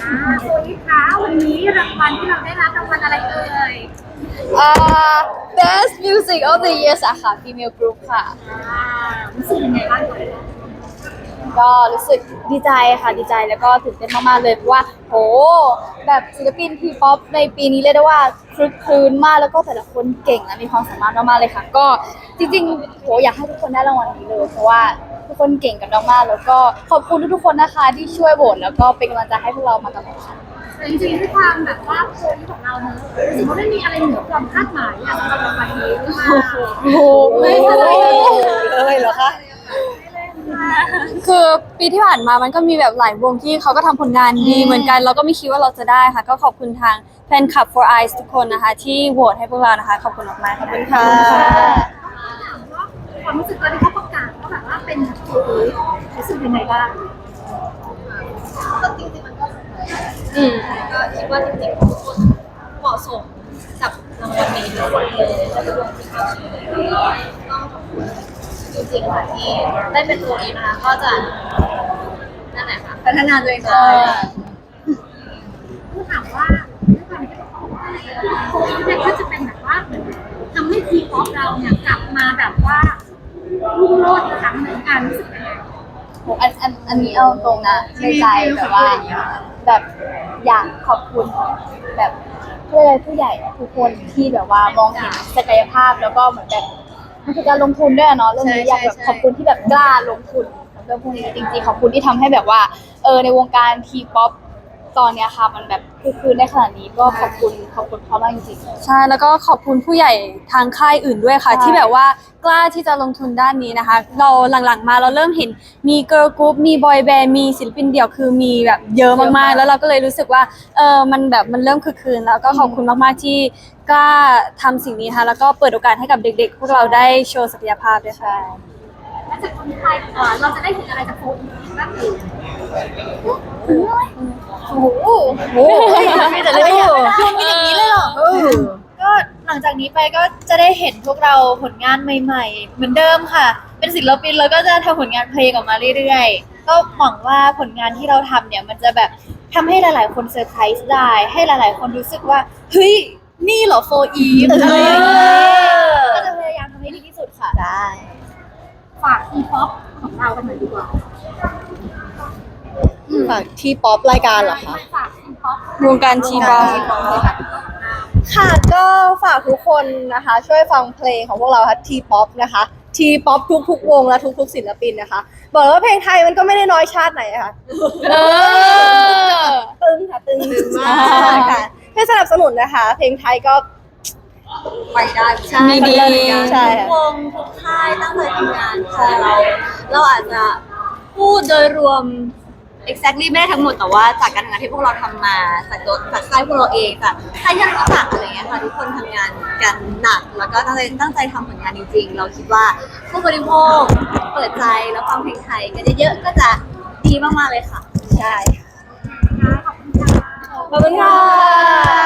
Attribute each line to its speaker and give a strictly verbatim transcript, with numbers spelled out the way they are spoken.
Speaker 1: อ่าโซลิคะวันนี้รางวัลที่เราได้รับรางวัลอะไรเอ่ย
Speaker 2: อ่า Best Music of the Year สาขา Female Group ค่ะ
Speaker 1: อ่ารู้สึกยังไงบ้างเลย
Speaker 2: ก็รู้สึกดีใจค่ะดีใจแล้วก็ตื่นเต้นมากๆเลยเพราะว่าโหแบบศิลปินทีป๊อปในปีนี้เรียกได้ว่าคลึกคลื้นมากแล้วก็แต่ละคนเก่งและมีความสามารถมากๆเลยค่ะก็จริงๆโหอยากให้ทุกคนได้รางวัลนี้เลยเพราะว่าทุกคนเก่งกันมากๆแล้วก็ขอบคุณทุกๆคนนะคะที่ช่วยโหวตแล้วก็เป็นกำลังใจให้พวกเรามาตลอดค่ะ
Speaker 1: แต่จริงๆด้วยความแบบว่าโซลิของเราเนอะรู้สึกว่าไม่มีอะไรเหนือความคาดหมายอะสำหรับรางวัลนี้หรือเปล่า
Speaker 2: โอ้โหไม่เลยเหรอคะ
Speaker 3: คือปีที่ผ่านมามันก็มีแบบหลายวงที่เขาก็ทำผลงานดีเหมือนกันเราก็ไม่คิดว่าเราจะได้ค่ะก็ขอบคุณทางแฟนคลับ For Eyes ทุกคนนะคะที่โหวตให้พวกเรานะคะขอบคุณมากๆขอบคุณค่ะ
Speaker 1: ความรู้สึกตอนที่เขาประกาศว่าแบบว่าเป็นโซลิรู้สึกยังไงบ้าง
Speaker 4: ก็จริงๆมันก็อืมก็คิดว่าจริงๆทุกคนเหมาะสมกับรางวัลนี้ทุกคนเลยและทุกคนที่เข้าชิงเลยต้องขอบคุณจริงๆค่ะที่ได้เป็นตัวนี้นะคะก็จะนั่นแหละค่ะพัฒนาตัวเองต่อไป
Speaker 1: ผู้ถามว่าด้วยความที่โซลิเนี่ยก็จะเป็นแบบว่าเหมือนทำให้ทีป๊อปเราเนี่ยกลับมาแบบว่ารุ่งโรจน์อีกครั้งหนึ่งการรู้สึกยังไง
Speaker 2: อันอันอันนี้เอาตรงนะในใจแบบว่าแบบอยากขอบคุณแบบเพื่อผู้ใหญ่ทุกคนที่แบบว่ามองเห็นศักยภาพแล้วก็เหมือนแบบมันคือการลงทุนด้วยเนาะเรื่องนี้อยากแบบขอบคุณที่แบบกล้าลงทุนเรื่องพวกนี้จริงๆขอบคุณที่ทำให้แบบว่าเออในวงการทีป๊อปตอนเนี้ยค่ะมันแบบคือคืนได้ขนาดนี้ก็ขอบคุณขอบคุณเขามากจริง
Speaker 3: ๆใช่แล้วก็ขอบคุณผู้ใหญ่ทางค่ายอื่นด้วยค่ะที่แบบว่ากล้าที่จะลงทุนด้านนี้นะคะเราหลังๆมาเราเริ่มเห็นมีเกิร์ลกรุ๊ปมีบอยแบนด์มีศิลปินเดี่ยวคือมีแบบเยอะมากๆแล้วเราก็เลยรู้สึกว่าเออมันแบบมันเริ่มคึกคืนแล้วก็ขอบคุณมากๆที่กล้าทำสิ่งนี้ค่ะแล้วก็เปิดโอกาสให้กับเด็กๆพวกเราได้โชว์ศักยภาพด้วยค่ะ
Speaker 1: และจากคนไทยเราจะได้เห็นอะไรจากโซลิบ้างอีก
Speaker 2: โอ้โหโอ้โหมีแต่เรื่องคุณมีอย่างนี้เลยเหรอ
Speaker 5: ก็หลังจากนี้ไปก็จะได้เห็นพวกเราผลงานใหม่ๆเหมือนเดิมค่ะเป็นศิลปินแล้วก็จะทำผลงานเพลงออกมาเรื่อยๆก็หวังว่าผลงานที่เราทำเนี่ยมันจะแบบทำให้หลายๆคนเซอร์ไพรส์ได้ให้หลายๆคนรู้สึกว่าเฮ้ยนี่เหรอโฟอีฟอะไรอย่างเงี้ยก็จะพยายามทำให้ดีที่สุดค่ะได้
Speaker 1: ฝากทีป๊อปของเรากันหน่อยดีกว่า
Speaker 2: ฝากทีป๊อปรายการเหรอคะ
Speaker 1: ฝากทีป๊อป
Speaker 3: วงการทีป๊อป
Speaker 2: ค่ะก็ฝากทุกคนนะคะช่วยฟังเพลงของพวกเราค่ะทีป๊อปนะคะทีป๊อปทุกๆวงและทุกๆศิลปินนะคะบอกเลยว่าเพลงไทยมันก็ไม่ได้น้อยชาติไหนค่ะเออตึงค่ะตึงมากค่ะให้สนับสนุนนะคะเพลงไทยก็
Speaker 4: ไปได้ใช่
Speaker 3: ดี
Speaker 4: ใช่ทุกวงทุกค่ายตั้งใจทำงานค่ะเราเราอาจจะพูดโดยรวม exactly ไม่ได้ทั้งหมดแต่ว่าจากการทำงานที่พวกเราทำมาจากตัวจากค่ายพวกเราเองจากค่ายที่เรารู้จักอะไรเงี้ยค่ะทุกคนทำงานกันหนักแล้วก็ตั้งใจตั้งใจทำผลงานจริงๆเราคิดว่าผู้บริโภคเปิดใจแล้วฟังเพลงไทยกันเยอะๆก็จะดีมากๆเลยค่ะ
Speaker 2: ใช่
Speaker 1: ขอบคุณค่ะ
Speaker 2: ขอบคุณค่ะ